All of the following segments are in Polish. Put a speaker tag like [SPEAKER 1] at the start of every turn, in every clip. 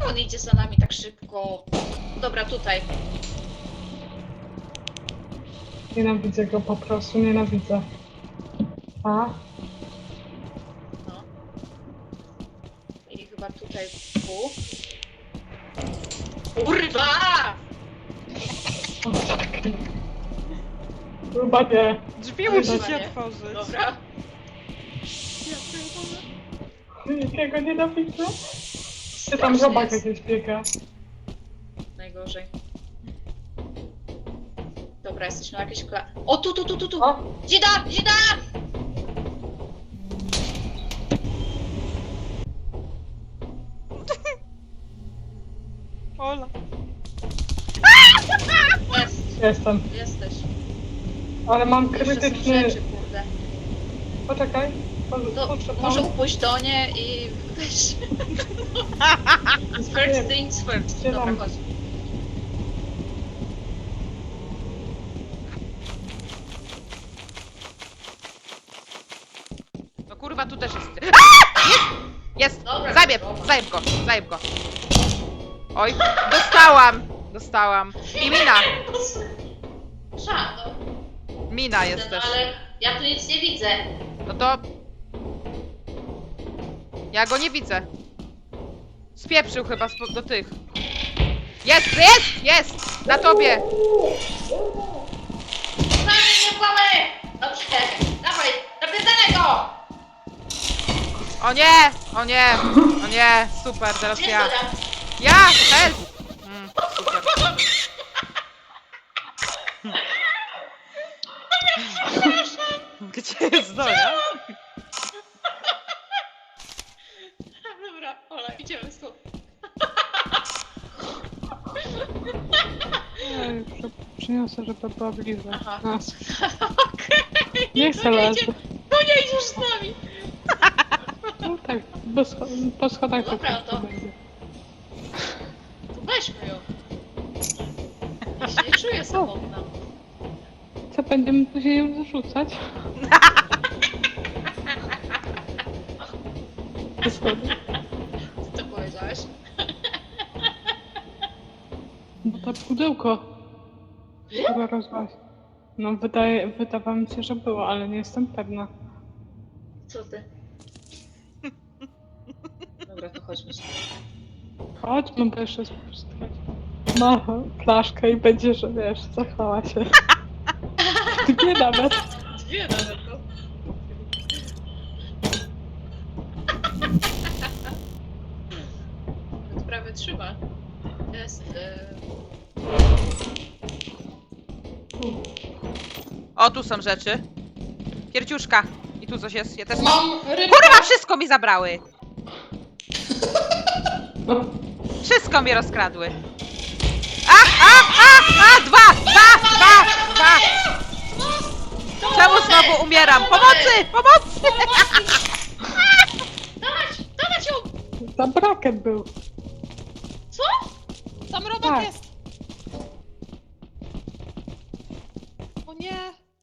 [SPEAKER 1] Czemu on idzie za nami tak szybko? Dobra, tutaj.
[SPEAKER 2] Nienawidzę go po prostu, nienawidzę. A?
[SPEAKER 1] No. I chyba tutaj tu. Kurwa!
[SPEAKER 2] Chyba nie.
[SPEAKER 3] Drzwi musi
[SPEAKER 2] Dobra.
[SPEAKER 3] się otworzyć.
[SPEAKER 1] Dobra. Ja pierdolę.
[SPEAKER 2] Jakiego nienawidzę? Czy tam robak jakieś biega?
[SPEAKER 1] Najgorzej. Dobra, jesteśmy na jakiejś O, tu!
[SPEAKER 2] O!
[SPEAKER 1] Dzida! Dzida!
[SPEAKER 3] Ola.
[SPEAKER 1] Jest,
[SPEAKER 2] Jestem.
[SPEAKER 1] jesteś.
[SPEAKER 2] Ale mam
[SPEAKER 1] Jeszcze są
[SPEAKER 2] krytyczny...
[SPEAKER 1] rzeczy, kurde.
[SPEAKER 2] Poczekaj.
[SPEAKER 1] To
[SPEAKER 2] Poczekaj.
[SPEAKER 1] może pójść do nie i weź. First things first. Dobra,
[SPEAKER 2] Zielam.
[SPEAKER 1] chodź.
[SPEAKER 3] No kurwa, tu też jest. Jest!
[SPEAKER 1] Dobra,
[SPEAKER 3] Zajeb go, zajeb go. Oj, dostałam. I mina.
[SPEAKER 1] Szano.
[SPEAKER 3] Mina jest też.
[SPEAKER 1] Ale ja tu nic nie widzę.
[SPEAKER 3] No to... Ja go nie widzę. Spieprzył chyba do tych. Jest! Na tobie!
[SPEAKER 1] Sami nie płamy! Dobrze, dawaj, napierdalaj go!
[SPEAKER 3] O nie, super, teraz
[SPEAKER 1] Jest
[SPEAKER 3] ja.
[SPEAKER 1] to tam.
[SPEAKER 3] Ja, help! Super. Gdzie jest Zoja?
[SPEAKER 1] Dobra, Ola, idziemy stąd.
[SPEAKER 2] Przyniosę, żeby była bliżej.
[SPEAKER 1] Aha.
[SPEAKER 2] A,
[SPEAKER 1] Okej,
[SPEAKER 2] nie chcę leży.
[SPEAKER 1] to nie idziesz z nami.
[SPEAKER 2] No tak, po schodach po
[SPEAKER 1] Dobra,
[SPEAKER 2] prostu
[SPEAKER 1] to-
[SPEAKER 2] będzie.
[SPEAKER 1] To weźmy ją. Ja się nie czuję samotna.
[SPEAKER 2] Co, będziemy później ją zarzucać? Po schodach.
[SPEAKER 1] Co to powiedziałeś?
[SPEAKER 2] Bo to pudełko. Chyba rozwaś. No wydawało mi się, że było, ale nie jestem pewna.
[SPEAKER 1] Co ty? Dobra, to chodźmy sobie.
[SPEAKER 2] Chodźmy, bo jeszcze spustać. No, flaszkę i będzie, że wiesz, zachwała się. Dwie nawet.
[SPEAKER 1] Dwie nawet, no. To prawie trzyma. Jest...
[SPEAKER 3] O, tu są rzeczy. Kierciuszka. I tu coś jest. Ja też mam.
[SPEAKER 1] Mam rybę!
[SPEAKER 3] Kurwa, wszystko mi zabrały! Wszystko mi rozkradły. Dwa! Czemu znowu umieram? Pomocy!
[SPEAKER 1] Dawać ją!
[SPEAKER 2] Za braket był.
[SPEAKER 1] Co?
[SPEAKER 4] Tam robak
[SPEAKER 2] Tak.
[SPEAKER 4] jest! O nie!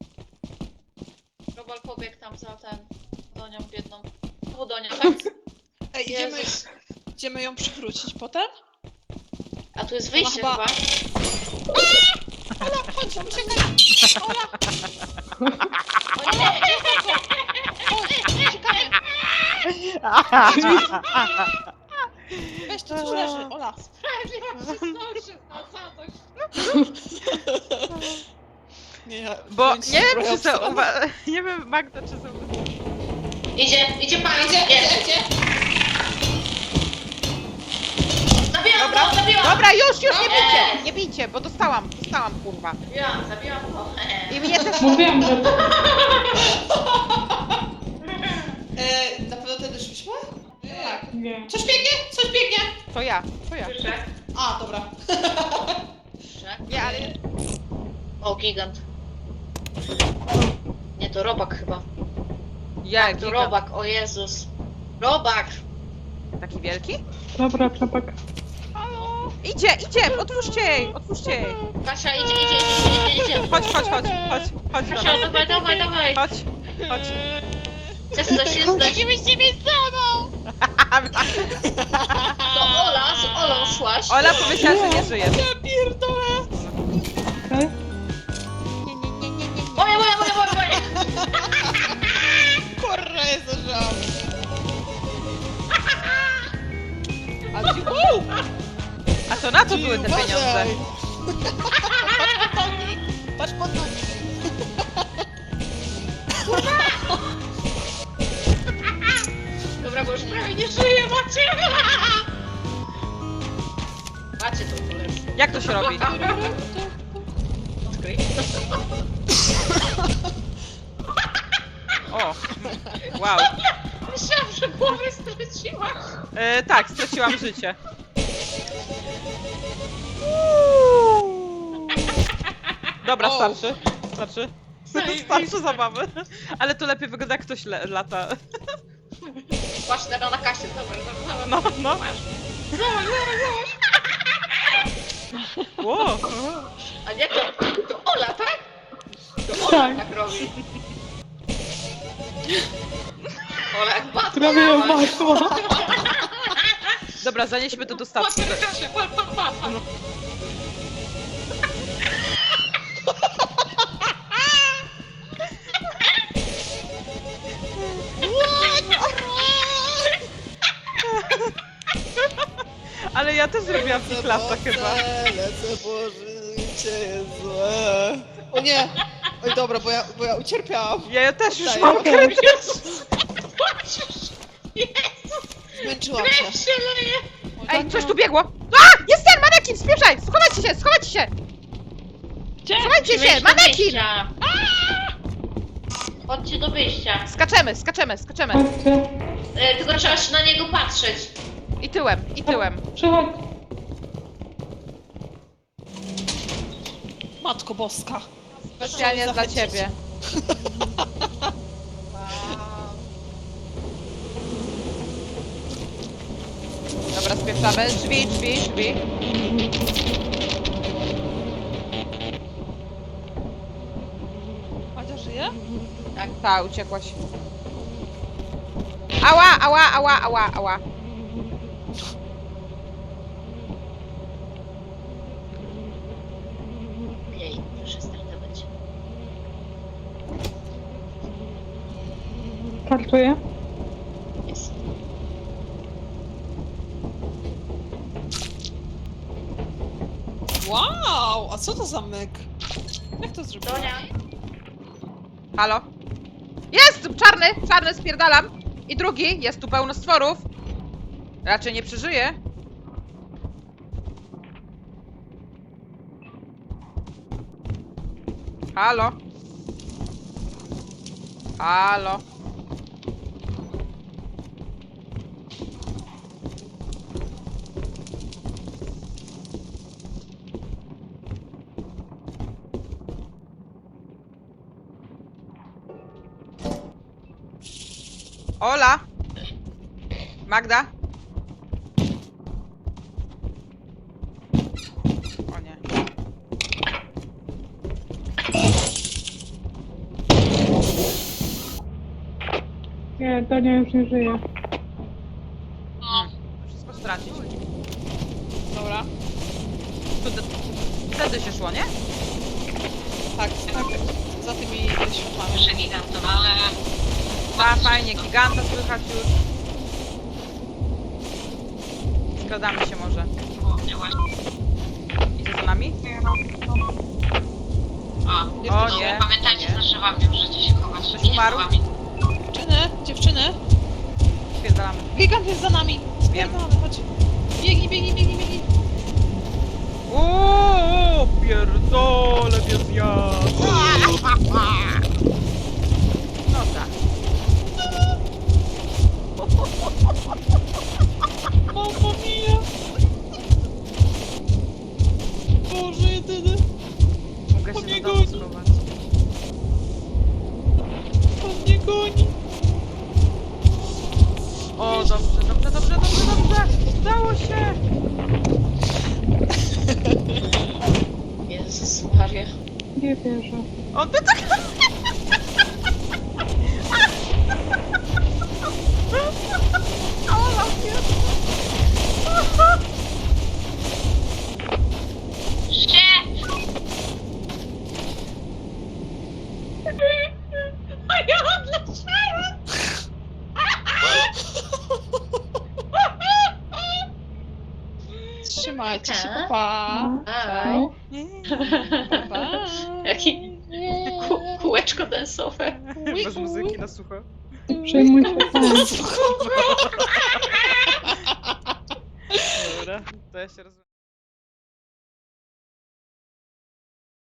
[SPEAKER 1] Robal pobiegł tam za ten... Donią biedną. O, Donia, tak?
[SPEAKER 4] Ej,
[SPEAKER 1] Jezus.
[SPEAKER 4] idziemy ją przywrócić potem?
[SPEAKER 1] A tu jest wyjście
[SPEAKER 4] Chyba-
[SPEAKER 1] chyba.
[SPEAKER 4] Ola, chodź, uciekaj! Ola!
[SPEAKER 1] O nie!
[SPEAKER 4] Chodź, uciekamy! Weź to, co leży, Ola!
[SPEAKER 1] Sprawiedliwość się zdąży na zadość.
[SPEAKER 4] Nie, ja
[SPEAKER 3] Bo
[SPEAKER 4] wziąć
[SPEAKER 3] nie wiem,
[SPEAKER 4] zbroję
[SPEAKER 3] czy są.
[SPEAKER 4] obstrana.
[SPEAKER 3] Nie wiem, Magda, czy są.
[SPEAKER 1] Idzie pan, idzie. Zabijam
[SPEAKER 3] Dobra,
[SPEAKER 1] go, zabijam!
[SPEAKER 3] dobra, już, nie
[SPEAKER 1] Dobra.
[SPEAKER 3] bijcie! Nie bijcie, bo dostałam, kurwa.
[SPEAKER 1] Zabijam go.
[SPEAKER 3] I mnie też.
[SPEAKER 2] Mówiłam, że...
[SPEAKER 4] Na pewno tędy szliśmy? Tak.
[SPEAKER 2] Nie.
[SPEAKER 4] Coś biegnie? Coś biegnie!
[SPEAKER 3] To ja.
[SPEAKER 1] Słyszę?
[SPEAKER 4] A, dobra.
[SPEAKER 1] Słyszę?
[SPEAKER 3] Nie, ale.
[SPEAKER 1] O, gigant. Nie, to robak chyba.
[SPEAKER 3] Ja,
[SPEAKER 1] To
[SPEAKER 3] gigant.
[SPEAKER 1] robak, o Jezus. Robak!
[SPEAKER 3] Taki wielki?
[SPEAKER 2] Dobra, czapek.
[SPEAKER 3] Idzie! Otwórzcie jej!
[SPEAKER 1] Kasia, idzie.
[SPEAKER 3] Chodź.
[SPEAKER 1] Kasia, dawaj.
[SPEAKER 3] Chodź.
[SPEAKER 1] Jest coś.
[SPEAKER 4] Musimy z nimi ze mną!
[SPEAKER 1] To Ola z Olą
[SPEAKER 3] Ola powiedziała, że nie żyjesz.
[SPEAKER 4] Ja pierdolę!
[SPEAKER 2] Okej?
[SPEAKER 1] Moje!
[SPEAKER 4] Kurwa, jest zażał! A ci... Uuu!
[SPEAKER 3] A to na co były te
[SPEAKER 4] Uważaj!
[SPEAKER 3] pieniądze?
[SPEAKER 4] Patrz pod nogi! Patrz pod nogi!
[SPEAKER 1] Dobra, bo już prawie nie żyję, macie! Macie to polecę.
[SPEAKER 3] Jak to się robi?
[SPEAKER 1] Odkryj.
[SPEAKER 3] O! Wow.
[SPEAKER 1] Myślałam, że głowę straciłaś.
[SPEAKER 3] Tak, straciłam życie. Dobra,
[SPEAKER 4] O.
[SPEAKER 3] starczy. Starczy. Starczy zabawy. Ale to lepiej wygląda, jak ktoś lata.
[SPEAKER 1] Patrz teraz na kasie, dobra.
[SPEAKER 3] No, no.
[SPEAKER 1] Masz.
[SPEAKER 3] Wow.
[SPEAKER 1] A nie, to Ola, tak? To Ola
[SPEAKER 2] Tak.
[SPEAKER 1] tak robi. Ola jak Batman.
[SPEAKER 2] Prawie ją masło.
[SPEAKER 3] Dobra, zanieśmy to do
[SPEAKER 1] Patrz
[SPEAKER 3] stacji.
[SPEAKER 1] na kasie, patrz.
[SPEAKER 3] Ale ja też zrobiłam fiklasa chyba.
[SPEAKER 4] Lecę, bo życie jest złe. O nie! Oj dobra, bo ja ucierpiałam.
[SPEAKER 3] Ja też już
[SPEAKER 4] Oddaję.
[SPEAKER 3] mam
[SPEAKER 2] Okej.
[SPEAKER 4] Zmęczyłam się.
[SPEAKER 1] Krew się leje.
[SPEAKER 3] Ej, coś tu biegło! A! Jest ten manekin! Spieszaj! Schowajcie się! Schowajcie się!
[SPEAKER 1] Gdzie?
[SPEAKER 3] Schowajcie się!
[SPEAKER 1] Weź do
[SPEAKER 3] Manekin!
[SPEAKER 1] wyjścia. Chodźcie do wyjścia.
[SPEAKER 3] Skaczemy, skaczemy, skaczemy.
[SPEAKER 2] Chodźcie.
[SPEAKER 1] Tylko trzeba się na niego patrzeć.
[SPEAKER 3] I tyłem, i tyłem.
[SPEAKER 2] Przychodź.
[SPEAKER 4] Matko boska.
[SPEAKER 3] Specjalnie dla
[SPEAKER 4] Zachęcić.
[SPEAKER 3] ciebie. Dobra, spieszamy. Drzwi, drzwi, drzwi.
[SPEAKER 4] Madzia żyje?
[SPEAKER 3] Ta, uciekłaś. Ała, ała, ała, ała, ała.
[SPEAKER 1] Jej, proszę startować.
[SPEAKER 2] Kartuję.
[SPEAKER 1] Jest.
[SPEAKER 4] Wow! A co to za myk? Jak to zrobiłeś?
[SPEAKER 1] Donia.
[SPEAKER 3] Halo? Jest! Czarny! Czarny, spierdalam! I drugi, jest tu pełno stworów. Raczej nie przeżyje. Halo? Halo? Ola? Magda? O nie.
[SPEAKER 2] Nie, Donia już nie żyje.
[SPEAKER 3] Wszystko stracić.
[SPEAKER 4] Dobra.
[SPEAKER 3] Wtedy się szło, nie?
[SPEAKER 4] Tak, tak. Za tymi światłami.
[SPEAKER 1] Jeszcze gigantowale.
[SPEAKER 3] A, fajnie, giganta słychać już. Skradamy się może. Idzie za nami? O nie.
[SPEAKER 1] Pamiętajcie,
[SPEAKER 3] nie.
[SPEAKER 1] za drzewami możecie się chować.
[SPEAKER 3] Ktoś umarł?
[SPEAKER 4] Dziewczyny!
[SPEAKER 3] Spierdalamy.
[SPEAKER 4] Gigant jest za nami!
[SPEAKER 3] Wiem.
[SPEAKER 4] Spierdolamy, chodź. Biegnij!
[SPEAKER 3] Uuu, pierdolę, bez jazdy. No tak.
[SPEAKER 4] Mamma mia! Boże jedyny!
[SPEAKER 3] Mogę
[SPEAKER 4] On
[SPEAKER 3] się
[SPEAKER 4] mnie
[SPEAKER 3] do domu
[SPEAKER 4] goni.
[SPEAKER 3] schować.
[SPEAKER 4] On mnie goni!
[SPEAKER 3] O, dobrze. Udało się.
[SPEAKER 1] Jezus Maria.
[SPEAKER 2] Nie wierzę.
[SPEAKER 3] On by tak... Ola,
[SPEAKER 1] A ja odleciałem!
[SPEAKER 4] Trzymajcie się, papa.
[SPEAKER 1] Aj.
[SPEAKER 4] Pa.
[SPEAKER 1] Jaki kółeczko dansowe.
[SPEAKER 3] Bez muzyki na sucho.
[SPEAKER 2] Przejmuj się pan.
[SPEAKER 3] Dobra, to ja się rozumiem.